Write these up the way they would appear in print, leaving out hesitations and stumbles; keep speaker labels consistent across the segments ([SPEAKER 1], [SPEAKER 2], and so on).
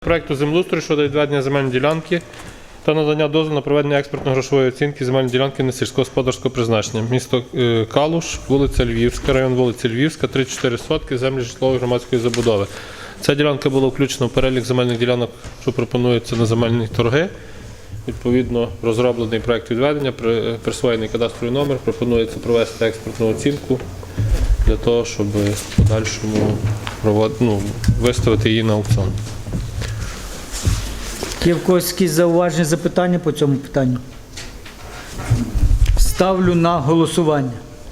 [SPEAKER 1] проекту землеустрою щодо відведення земельної ділянки та надання дозволу на проведення експертно-грошової оцінки земельної ділянки на сільськогосподарського призначення. Місто Калуш, вулиця Львівська, район вулиці Львівська, 34 сотки, землі житлової громадської забудови. Ця ділянка була включена в перелік земельних ділянок, що пропонуються на земельні торги. Відповідно, розроблений проект відведення, присвоєний кадастровий номер, пропонується провести експертну оцінку для того, щоб в подальшому виставити її на аукціон.
[SPEAKER 2] Є в когось якісь зауваження, запитання по цьому питанню? Ставлю на голосування.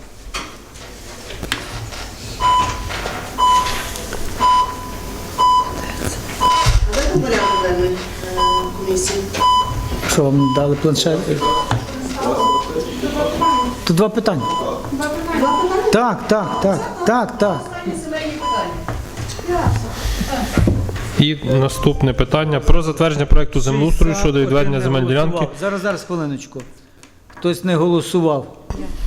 [SPEAKER 3] Дайте порядок денний комісії.
[SPEAKER 2] Що вам дали планшет? Тут два питання. Так.
[SPEAKER 1] І наступне питання про затвердження проекту землеустрою щодо відведення земельної ділянки.
[SPEAKER 2] Зараз, хвилиночку. Хтось не голосував.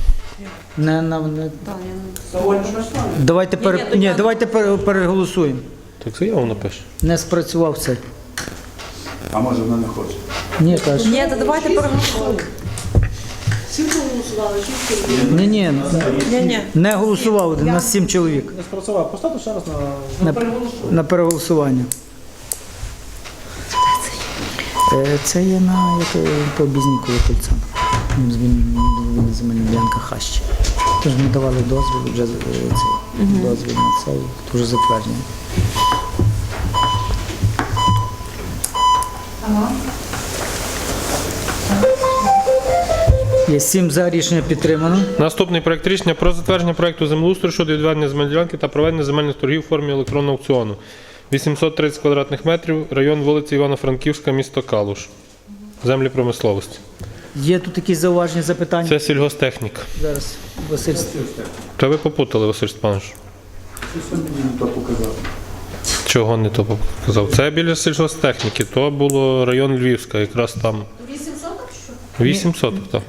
[SPEAKER 2] Давайте переголосуємо.
[SPEAKER 1] Так заяву напише.
[SPEAKER 2] Не спрацював цей.
[SPEAKER 4] А може вона не хоче?
[SPEAKER 2] Ні, каже.
[SPEAKER 5] Ні, то давайте переголосуємо.
[SPEAKER 3] Всі проголосували, чи всі?
[SPEAKER 5] Ні.
[SPEAKER 2] Не голосував, у нас 7 чоловік.
[SPEAKER 4] Не спрацював. Поставте ще раз
[SPEAKER 2] На переголосування. Це є по Бізнікові кольця. Земельна ділянка Хащі. Тож ми давали дозвіл, вже дозвіл на це, вже затверджений. Є 7 за, рішення підтримано.
[SPEAKER 1] Наступний проект рішення про затвердження проекту землеустрою щодо відведення земельної ділянки та проведення земельних торгів у формі електронного аукціону. 830 квадратних метрів, район вулиці Івано-Франківська, місто Калуш. Землі промисловості.
[SPEAKER 2] Є тут якісь зауваження, запитання?
[SPEAKER 1] Це сільгостехніка.
[SPEAKER 2] Зараз Василь.
[SPEAKER 1] Та ви попутали, Василь Степанович.
[SPEAKER 4] Щось мені не то показав.
[SPEAKER 1] Чого не то показав? Це біля сільгосптехніки, то було район Львівська, якраз там.
[SPEAKER 3] 8 соток, що?
[SPEAKER 1] 8 соток, так.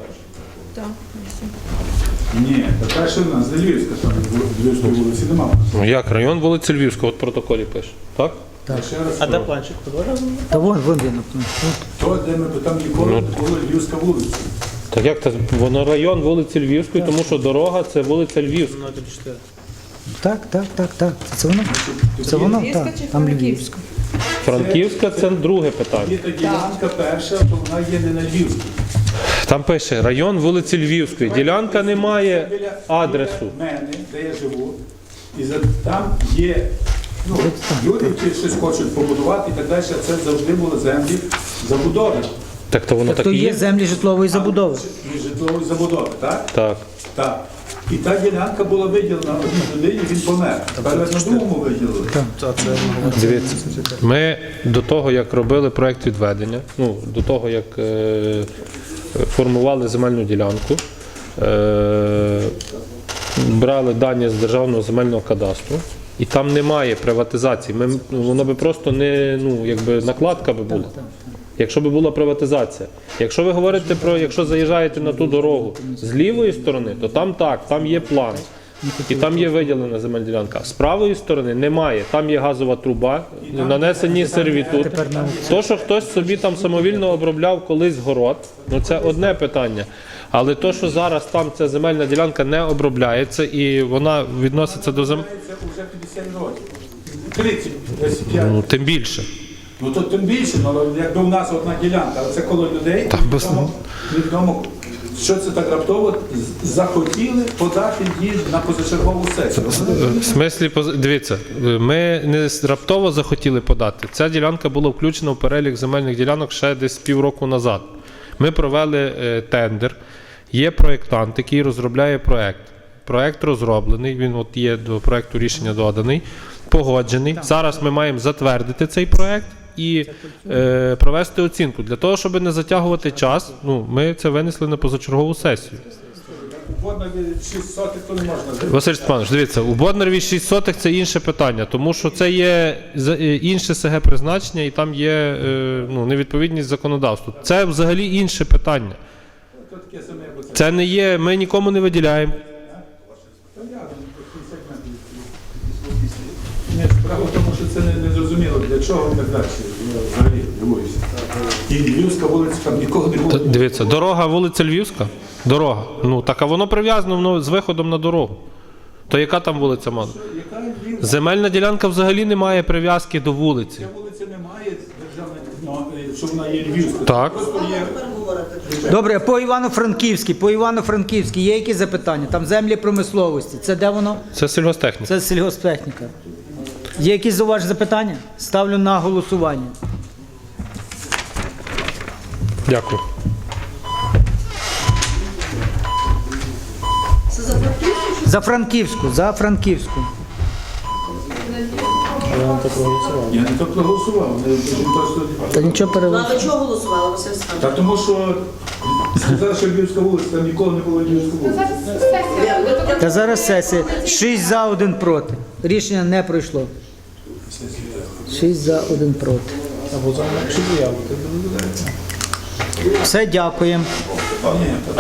[SPEAKER 4] Ні, та перше в нас не Львівська, там Львівської вулиці немає.
[SPEAKER 1] Ну як, район вулиці Львівська, от в протоколі пише. Так?
[SPEAKER 4] Ще раз.
[SPEAKER 6] А де планчик?
[SPEAKER 2] Та вон він.
[SPEAKER 4] То, де ми там ніколи не було Львівська вулиця.
[SPEAKER 1] Так як це? Воно район вулиці Львівської, тому що дорога це вулиця Львівська.
[SPEAKER 2] Так. Це воно, так. Там Львівська.
[SPEAKER 1] Франківська це друге питання.
[SPEAKER 4] Є та ділянка перша, то вона є не на Львівській.
[SPEAKER 1] Там пише район вулиці Львівської. Ділянка не має адресу.
[SPEAKER 4] Біля мене, де я живу, і там є люди, які щось хочуть побудувати і так далі, а це завжди були землі забудови.
[SPEAKER 1] Так то воно так
[SPEAKER 2] То
[SPEAKER 1] і
[SPEAKER 2] є
[SPEAKER 1] є?
[SPEAKER 2] землі житлової забудови.
[SPEAKER 4] І житлової забудови, так?
[SPEAKER 1] Так.
[SPEAKER 4] Так. І та ділянка була виділена одній людині, він помер. Тепер на другому виділили.
[SPEAKER 1] Дивіться, ми до того, як робили проєкт відведення, до того, як формували земельну ділянку, брали дані з Державного земельного кадастру, і там немає приватизації. Воно би просто накладка би була. Якщо би була приватизація. Якщо ви говорите якщо заїжджаєте на ту дорогу з лівої сторони, то там так, там є план. І там є виділена земельна ділянка. З правої сторони немає. Там є газова труба, нанесені сервітути. То, що хтось собі там самовільно обробляв колись город, це одне питання. Але то, що зараз там ця земельна ділянка не обробляється і вона відноситься до землі.
[SPEAKER 4] Це вже 50 років. 30, 25.
[SPEAKER 1] Тим більше.
[SPEAKER 4] Ну то тим більше, якби у нас одна ділянка, але це коло людей, невідомо, що це так раптово захотіли подати її на позачергову сесію.
[SPEAKER 1] В смислі, дивіться, ми не раптово захотіли подати. Ця ділянка була включена в перелік земельних ділянок ще десь півроку назад. Ми провели тендер, є проєктант, який розробляє проєкт. Проєкт розроблений, він є до проєкту рішення доданий, погоджений. Зараз ми маємо затвердити цей проєкт і провести оцінку. Для того, щоб не затягувати час, ми це винесли на позачергову сесію.
[SPEAKER 4] У Боднарові 6 сотих, то не можна.
[SPEAKER 1] Василь Степанович, дивіться, у Боднарові 6 сотих – це інше питання, тому що це є інше СГ призначення і там є невідповідність законодавству. Це взагалі інше питання. Це не є, ми нікому не виділяємо.
[SPEAKER 4] Ні, справа в тому, що це не зрозуміло для чого. що ми далі? Я взагалі дивуюся. І Львівська вулиця, там нікого не було.
[SPEAKER 1] Дивіться, дорога вулиця Львівська? Дорога. Ну так, а воно прив'язано з виходом на дорогу. То яка там вулиця мала?
[SPEAKER 4] Яка Львівська
[SPEAKER 1] Земельна ділянка взагалі не має прив'язки до вулиці.
[SPEAKER 4] вулиця немає державної, що вона є Львівська.
[SPEAKER 1] Так.
[SPEAKER 4] Просто є.
[SPEAKER 3] Тепер говорите.
[SPEAKER 2] Добре, по Івано-Франківській є якісь запитання? Там землі промисловості. Це де воно?
[SPEAKER 1] Це сільгостехніка.
[SPEAKER 2] Це сільгосптехніка. Є якісь зауваження запитання? Ставлю на голосування.
[SPEAKER 1] Дякую.
[SPEAKER 3] Це за Франківську?
[SPEAKER 2] За Франківську, за Франківську.
[SPEAKER 4] Я не так проголосував.
[SPEAKER 2] Та нічого
[SPEAKER 3] Ну, а
[SPEAKER 2] переводити.
[SPEAKER 3] ви чого голосували, Василь Степанович?
[SPEAKER 4] Та тому що сказали, що Львівська вулиця, там ніколи не було Львівської вулиці.
[SPEAKER 2] Та зараз сесія. 6 за, 1 проти. Рішення не пройшло. 6 за, 1 проти.
[SPEAKER 4] Або за інакше заяву.
[SPEAKER 2] Все, дякуємо.
[SPEAKER 4] Ні,